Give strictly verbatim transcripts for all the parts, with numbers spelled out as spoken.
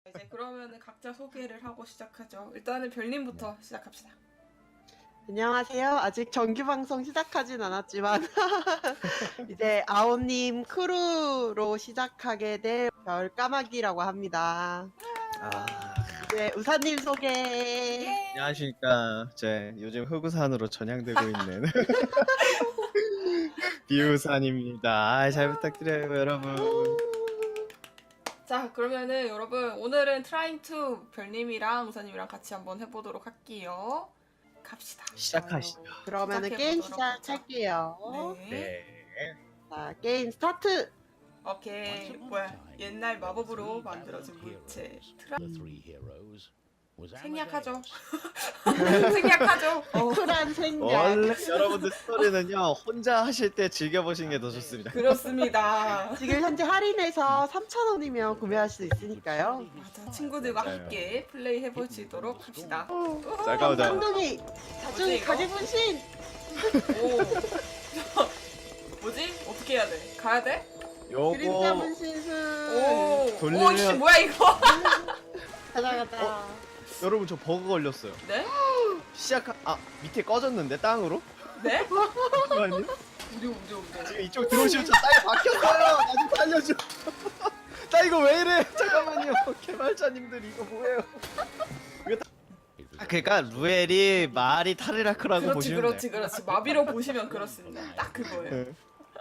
이제 그러면은 각자 소개를 하고 시작하죠. 일단은 별님부터 시작합시다. 안녕하세요. 아직 정규 방송 시작하진 않았지만 이제 아오님 크루로 시작하게 될 별까마귀라고 합니다. 아, 이제 우사님 소개. 안녕하십니까. 제 요즘 흑우산으로 전향되고 있는 비우산입니다. 아, 잘 부탁드려요, 여러분. 자, 그러면은 여러분 오늘은 트라잉 투 별님이랑 우사님이랑 같이 한번 해보도록 할게요. 갑시다. 시작하시죠. 그러면은 게임 시작해보도록 하죠. 시작할게요. 네. 네. 자, 게임 스타트. 오케이. 뭐야? 옛날 마법으로 만들어진 물체. 트라... 생략하죠. 생략하죠. 어. 쿨한 생략. 원래 여러분들 스토리는요, 혼자 하실 때 즐겨보시는 게 더 좋습니다. 그렇습니다. 지금 현재 할인해서 삼천 원이면 구매할 수 있으니까요. 맞아. 친구들과 맞아요. 함께 플레이 해보시도록 합시다. 자, 가보자. 쌍둥이 자중이 이거? 가게 분신. 오. 뭐지? 어떻게 해야 돼? 가야 돼? 그림자 요거 분신술. 오. 돌리면- 오, 씨, 뭐야 이거? 가자 가자. 여러분 저 버그 걸렸어요. 네? 시작 아 밑에 꺼졌는데 땅으로? 네? 잠깐만요. 우리 우리 우리. 지금 이쪽 들어오시면 저 땅이 바뀌었어요. 나 좀 살려줘. 나 이거 왜 이래? 잠깐만요. 개발자님들 이거 뭐예요? 이거 다- 아, 그러니까 루엘이 말이 타르라크라고 그렇지 보시면 그렇지 돼요. 그렇지. 마비로 보시면 그렇습니다. 딱 그거예요. 네.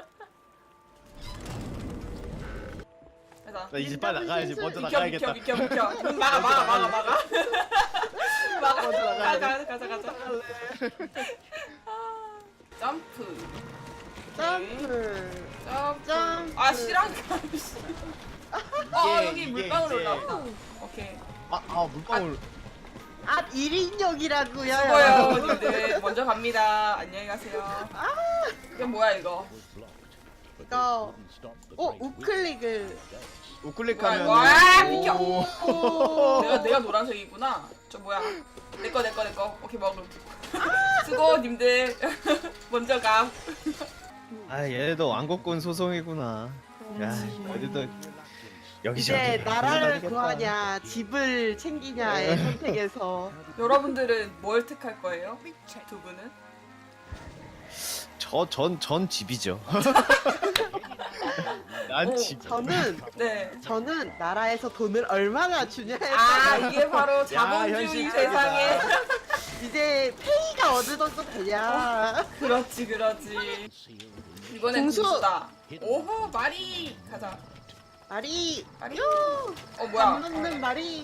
가자. 나 이제 빨리 나가야지. 먼저 비켜 나가야겠다. 비켜 비켜 비켜. 문 막아 막아 막아 막아. 막아. 먼저 나가야 가자 가자 가자. 아, 점프. 점프. 점프. 점프. 아 실한 가. 아 이게- 여기 이게 물방울 이제- 올라왔다. 오케이. 아, 아 물방울. 아 일 인용이라고요. 수고요 님들. 먼저 갑니다. 안녕히 가세요. 이게 뭐야 이거? 이거 오 우클릭을 우클릭하면 뭐야, 이거? 아, 비켜. 오. 내가 내가 노란색이구나. 저 뭐야? 내거 내 거 내 거. 오케이 먹음. 수고 님들. 먼저 가. 아 얘도 왕국군 소송이구나. 야 어디도 여기저기. 이제 나라를 돌아다니겠다. 구하냐 집을 챙기냐의 선택에서 여러분들은 뭘 택할 거예요? 두 분은? 저전 전 집이죠. 난 오, 집. 저는 네. 저는 나라에서 돈을 얼마나 주냐에 아 따라 이게 바로 자본주의 현실적이다. 세상에. 이제 페이가 어느 정도 되냐. 그렇지 그렇지. 이번엔 공수. 공수다. 오호 마리 가자. 말이 마리. 요 어 뭐야? 안 붙는 말이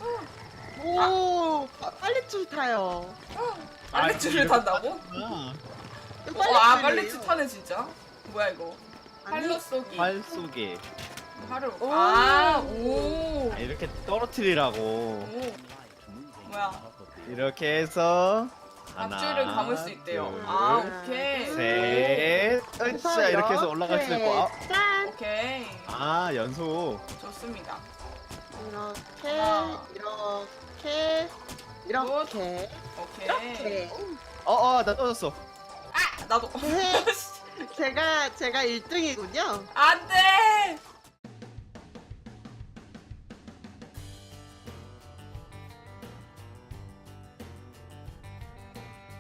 오 아, 빨래줄 타요. 빨래줄을 아, 탄다고? 아, 이거 어, 아 빨래줄이에요. 빨래줄 타네 진짜. 뭐야 이거? 아니, 팔로 쏘기. 활 속에 팔을. 오. 아 오. 아, 이렇게 떨어뜨리라고. 오. 뭐야? 이렇게 해서 하나, 앞줄을 감을 수 있대요. 둘, 아 오케이. 셋. 그래서 으쌰 이렇게 해서 올라갈 수 있고. 아, 짠 오케이. 아 연속. 좋습니다. 이렇게 하나. 이렇게 이렇게 오케이. 이렇게 어어 나 떨어졌어. 아 나도. 네. 제가 제가 일 등이군요. 안돼.